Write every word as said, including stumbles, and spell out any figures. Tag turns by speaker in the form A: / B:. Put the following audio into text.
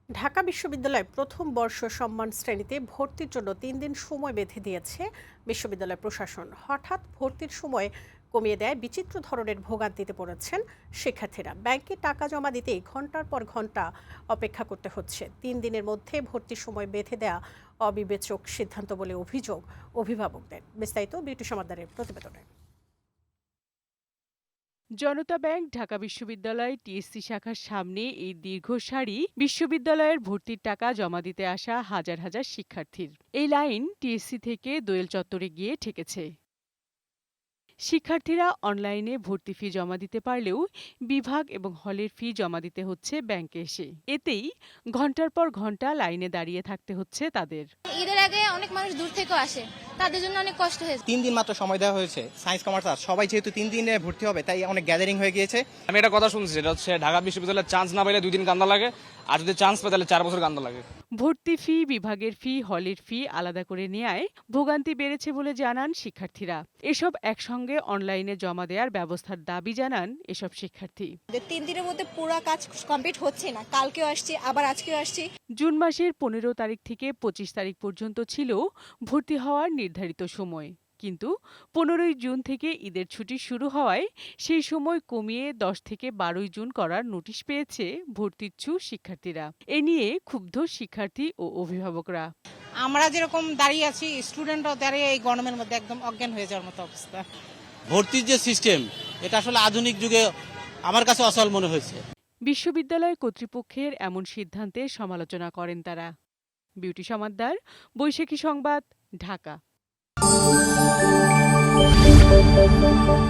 A: ঢাকা বিশ্ববিদ্যালয় প্রথম বর্ষ সম্মান শ্রেণীতে ভর্তির জন্য তিন দিন সময় বেঁধে দিয়েছে বিশ্ববিদ্যালয় প্রশাসন। হঠাৎ ভর্তির সময় কমিয়ে দেয় বিচিত্র ধরনের ভোগান্তিতে পড়েছেন শিক্ষার্থীরা। ব্যাংকে টাকা জমা দিতেই ঘন্টার পর ঘন্টা অপেক্ষা করতে হচ্ছে। তিন দিনের মধ্যে ভর্তির সময় বেঁধে দেয়া অবিবেচক সিদ্ধান্ত বলে অভিযোগ অভিভাবকদের। বিস্তারিত বিউটি সমাদ্দারের প্রতিবেদনে।
B: জনতা ব্যাংক ঢাকা বিশ্ববিদ্যালয় টিএসসি শাখার সামনে এই দীর্ঘ সারি বিশ্ববিদ্যালয়ের ভর্তির টাকা জমা দিতে আসা হাজার হাজার শিক্ষার্থীর। এই লাইন টিএসসি থেকে দোয়েল চত্বরে গিয়ে ঠেকেছে। শিক্ষার্থীরা অনলাইনে ভর্তি ফি জমা দিতে পারলেও বিভাগ এবং হলের ফি জমা দিতে হচ্ছে ব্যাংকে এসে। এতেই ঘন্টার পর ঘন্টা লাইনে দাঁড়িয়ে থাকতে হচ্ছে তাদের।
C: ঈদের আগে অনেক মানুষ দূর থেকেও আসে, তাদের জন্য অনেক কষ্ট হয়েছে।
D: তিন দিন মাত্র সময় দেওয়া হয়েছে। সায়েন্স কমার্স আর্টস সবাই যেহেতু তিন দিনে ভর্তি হবে, তাই অনেক গ্যাদারিং হয়ে গিয়েছে।
E: আমি একটা কথা শুনছি, সেটা হচ্ছে ঢাকা বিশ্ববিদ্যালয়ের চান্স না পেলে দুই দিন কান্দা লাগে, আর যদি চান্স পায় তাহলে চার বছর কান্দা লাগে।
B: ভর্তি ফি, বিভাগের ফি, হলের ফি আলাদা করে নেয়ায় ভোগান্তি বেড়েছে বলে জানান শিক্ষার্থীরা। এসব একসঙ্গে অনলাইনে জমা দেওয়ার ব্যবস্থার দাবি জানান এসব শিক্ষার্থী।
F: তিন দিনের মধ্যে পুরো কাজ কমপ্লিট হচ্ছে না, কালকেও আসছি আবার আজকেও আসছি।
B: জুন মাসের পনেরো তারিখ থেকে পঁচিশ তারিখ পর্যন্ত ছিল ভর্তি হওয়ার নির্ধারিত সময়, কিন্তু পনেরোই জুন থেকে ঈদের ছুটি শুরু হওয়ায় সেই সময় কমিয়ে দশ থেকে বারোই জুন করার নোটিশ পেয়েছে ভর্তিচ্ছু শিক্ষার্থীরা। এ নিয়ে ক্ষুব্ধ শিক্ষার্থী ও অভিভাবকরা।
G: আমরা যেরকম দাঁড়িয়ে আছি, স্টুডেন্টরাও দাঁড়িয়ে এই গরমের মধ্যে একদম অজ্ঞান হয়ে যাওয়ার মতো অবস্থা।
H: ভর্তির যে সিস্টেম, এটা আসলে আধুনিক যুগে আমার কাছে অসল মনে হয়েছে।
B: বিশ্ববিদ্যালয় কর্তৃপক্ষের এমন সিদ্ধান্তের সমালোচনা করেন তারা। বিউটি সমাদ্দার, বৈশাখী সংবাদ, ঢাকা।